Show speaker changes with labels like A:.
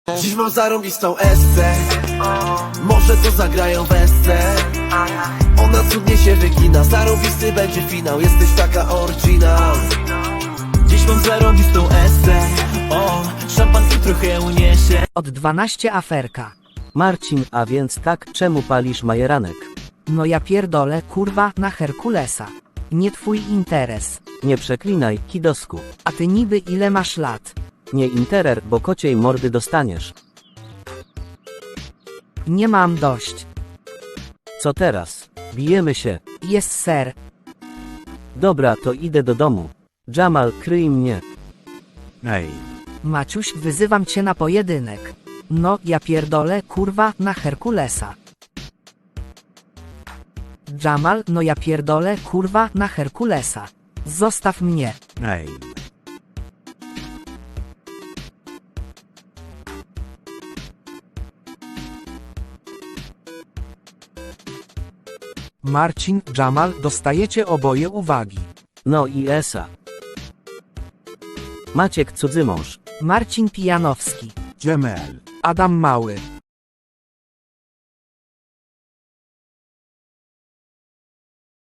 A: Dziś mam zarąbistą esce, może to zagrają wesce. Ona cudnie się wygina, zarąbisty będzie finał. Jesteś taka oryginal.
B: Dziś mam zarąbistą esce. O, szampan i trochę uniesie.
C: Od 12 aferka.
D: Marcin, a więc tak, czemu palisz majeranek?
C: No ja pierdolę, kurwa, na Herkulesa. Nie twój interes.
D: Nie przeklinaj, kidosku.
C: A ty niby ile masz lat?
D: Nie interer, bo kociej mordy dostaniesz.
C: Nie mam dość.
D: Co teraz? Bijemy się.
C: Jest ser.
D: Dobra, to idę do domu. Jamal, kryj mnie.
E: Ej,
C: Maciuś, wyzywam cię na pojedynek. No, ja pierdolę, kurwa, na Herkulesa. Jamal, no ja pierdolę, kurwa, na Herkulesa. Zostaw mnie.
E: ej.
F: Marcin, Jamal, dostajecie oboje uwagi.
D: No i Esa. Maciek cudzymąż.
C: Marcin Pijanowski.
E: Dżemel.
F: Adam Mały.